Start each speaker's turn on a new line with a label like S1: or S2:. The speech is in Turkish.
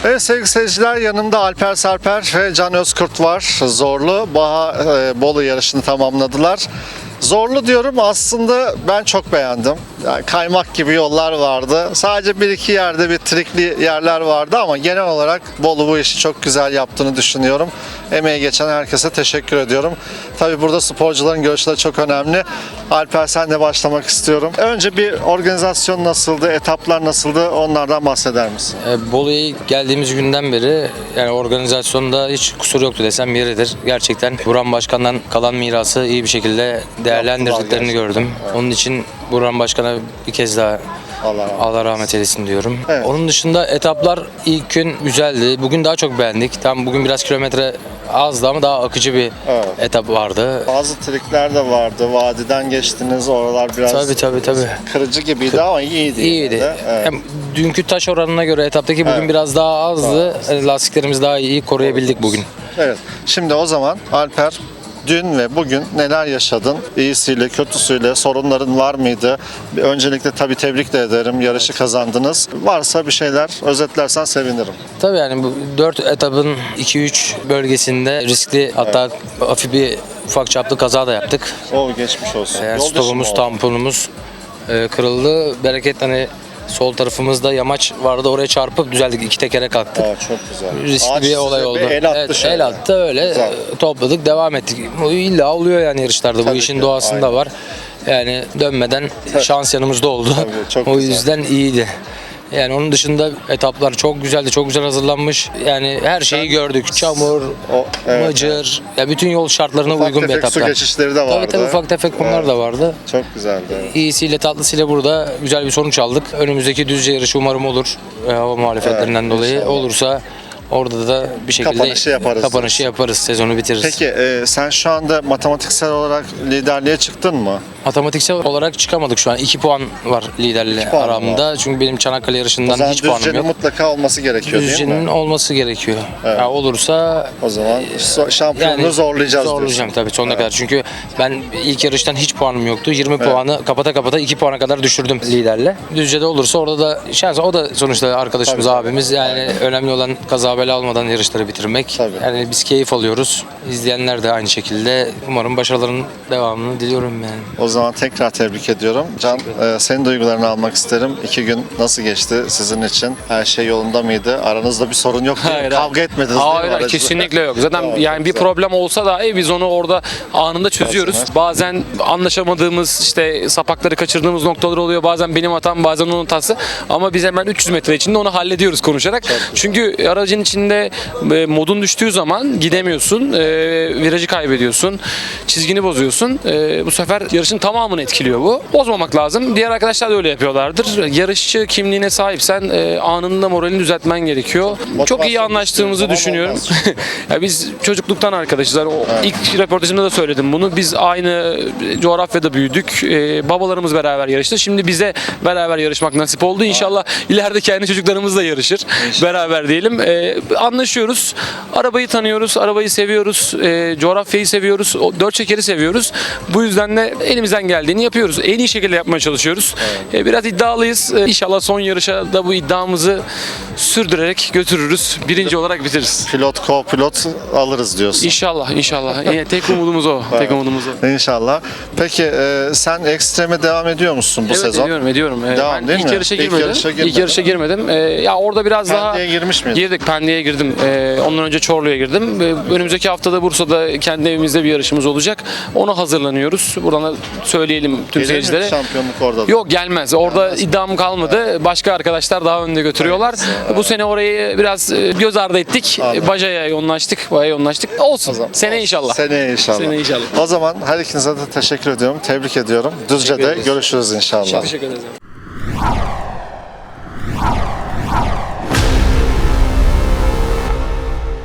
S1: Evet sevgili seyirciler, yanımda Alper Sarper ve Can Özkurt var. Zorlu Bolu yarışını tamamladılar. Zorlu diyorum, aslında ben çok beğendim. Yani kaymak gibi yollar vardı. Sadece bir iki yerde bir trikli yerler vardı ama genel olarak Bolu bu işi çok güzel yaptığını düşünüyorum. Emeği geçen herkese teşekkür ediyorum. Tabii burada sporcuların görüşleri çok önemli. Alper, senle başlamak istiyorum. Önce bir organizasyon nasıldı, etaplar nasıldı, onlardan bahseder misin?
S2: Bolu'ya geldiğimiz günden beri yani organizasyonda hiç kusur yoktu desem yeridir. Gerçekten Burhan Başkan'dan kalan mirası iyi bir şekilde değerlendirdiklerini gördüm. Evet. Onun için Burhan Başkan'a bir kez daha Allah rahmet eylesin diyorum. Evet. Onun dışında etaplar ilk gün güzeldi. Bugün daha çok beğendik. Tam bugün biraz kilometre azdı ama daha akıcı bir etap vardı.
S1: Bazı trikler de vardı. Vadiden geçtiniz. Oralar biraz
S2: tabii.
S1: Kırıcı gibiydi ama iyiydi.
S2: İyiydi.
S1: Evet.
S2: Hem dünkü taş oranına göre etaptaki bugün biraz daha azdı. Lastiklerimiz daha iyi koruyabildik bugün.
S1: Evet. Şimdi o zaman Alper, dün ve bugün neler yaşadın? İyisiyle, kötüsüyle, sorunların var mıydı? Öncelikle tabii tebrik de ederim. Yarışı kazandınız. Varsa bir şeyler özetlersen sevinirim.
S2: Tabii yani bu 4 etapın 2-3 bölgesinde riskli, hatta hafif bir ufak çaplı kaza da yaptık.
S1: Geçmiş olsun.
S2: Stopumuz, tamponumuz kırıldı. Bereket hani sol tarafımızda yamaç vardı, oraya çarpıp düzeldik. 2 tekere kalktık.
S1: Çok güzel.
S2: Riskli bir olay oldu. El attı öyle. Güzel. Topladık, devam ettik. Bu illa oluyor yani yarışlarda. Bu işin doğasında var. Yani dönmeden şans yanımızda oldu. O yüzden iyiydi. Yani onun dışında etaplar çok güzeldi, çok güzel hazırlanmış. Yani her şeyi gördük. Çamur, mıcır, ya bütün yol şartlarına uygun bir etaplar.
S1: Su geçişleri de vardı.
S2: Tabii ufak tefek konular da vardı.
S1: Çok güzeldi.
S2: İyisiyle tatlısıyla burada güzel bir sonuç aldık. Önümüzdeki Düzce yarışı umarım olur. Hava muhalefetlerinden dolayı inşallah. Olursa orada da bir şekilde kapanışı yaparız, sezonu bitiririz.
S1: Peki sen şu anda matematiksel olarak liderliğe çıktın mı?
S2: Matematiksel olarak çıkamadık şu an. 2 puan var liderle aramda. Var. Çünkü benim Çanakkale yarışından hiç puanım yok.
S1: Düzce'nin mutlaka olması gerekiyor değil mi?
S2: Düzce'nin olması gerekiyor. Evet. Ya olursa
S1: o zaman şampiyonluğu zorlayacağız.
S2: Zorlayacağım tabii sonuna kadar. Çünkü ben ilk yarıştan hiç puanım yoktu. 20 puanı kapata 2 puana kadar düşürdüm liderle. Düzce'de olursa orada da şans, o da sonuçta arkadaşımız, abimiz. Yani önemli olan kaza bela almadan yarışları bitirmek. Tabii. Yani biz keyif alıyoruz. İzleyenler de aynı şekilde. Umarım başarıların devamını diliyorum yani.
S1: O zaman tekrar tebrik ediyorum. Can, senin duygularını almak isterim. 2 gün nasıl geçti sizin için? Her şey yolunda mıydı? Aranızda bir sorun yok değil mi? Kavga etmediniz değil mi?
S3: Hayır, kesinlikle yok. Zaten yani bir problem olsa da biz onu orada anında çözüyoruz. Bazen anlaşamadığımız, işte sapakları kaçırdığımız noktalar oluyor. Bazen benim hatam, bazen onun hatası. Ama biz hemen 300 metre içinde onu hallediyoruz konuşarak. Çünkü aracın içinde modun düştüğü zaman gidemiyorsun. Virajı kaybediyorsun. Çizgini bozuyorsun. Bu sefer yarışın tamamını etkiliyor bu. Bozmamak lazım. Diğer arkadaşlar da öyle yapıyorlardır. Yarışçı kimliğine sahipsen anında moralini düzeltmen gerekiyor. Çok iyi anlaştığımızı düşünüyorum. Ya biz çocukluktan arkadaşız. Yani ilk röportajımda da söyledim bunu. Biz aynı coğrafyada büyüdük. Babalarımız beraber yarıştı. Şimdi bize beraber yarışmak nasip oldu. İnşallah ileride kendi çocuklarımız da yarışır. Beraber diyelim. Anlaşıyoruz. Arabayı tanıyoruz. Arabayı seviyoruz. Coğrafyayı seviyoruz. 4 çekeri seviyoruz. Bu yüzden de elimizden geldiğini yapıyoruz. En iyi şekilde yapmaya çalışıyoruz. Biraz iddialıyız. İnşallah son yarışa da bu iddiamızı sürdürerek götürürüz. Birinci olarak bitiririz.
S1: Pilot, co-pilot alırız diyorsun.
S3: İnşallah. Tek umudumuz o. Tek umudumuz o.
S1: İnşallah. Peki sen ekstreme devam ediyor musun bu sezon?
S3: Ediyorum.
S1: Devam
S3: ben
S1: değil
S3: ilk
S1: mi?
S3: Yarışa İlk yarışa girmedim. Ya orada biraz
S1: Pendik'e girmiş miydin?
S3: Girdik. Pendik'e girdim. Ondan önce Çorlu'ya girdim. Önümüzdeki haftada Bursa'da kendi evimizde bir yarışımız olacak. Ona hazırlanıyoruz. Buradan da söyleyelim tüm seyircilere.
S1: Şampiyonluk orada da.
S3: Yok, gelmez. Orada iddiam kalmadı. Başka arkadaşlar daha önde götürüyorlar. Bu sene orayı biraz göz ardı ettik. Baja'ya yoğunlaştık. Olsun. Sene inşallah.
S1: Sene inşallah. O zaman her ikinize de teşekkür ediyorum. Tebrik ediyorum. Düzce'de görüşürüz inşallah.
S3: Teşekkür ederim.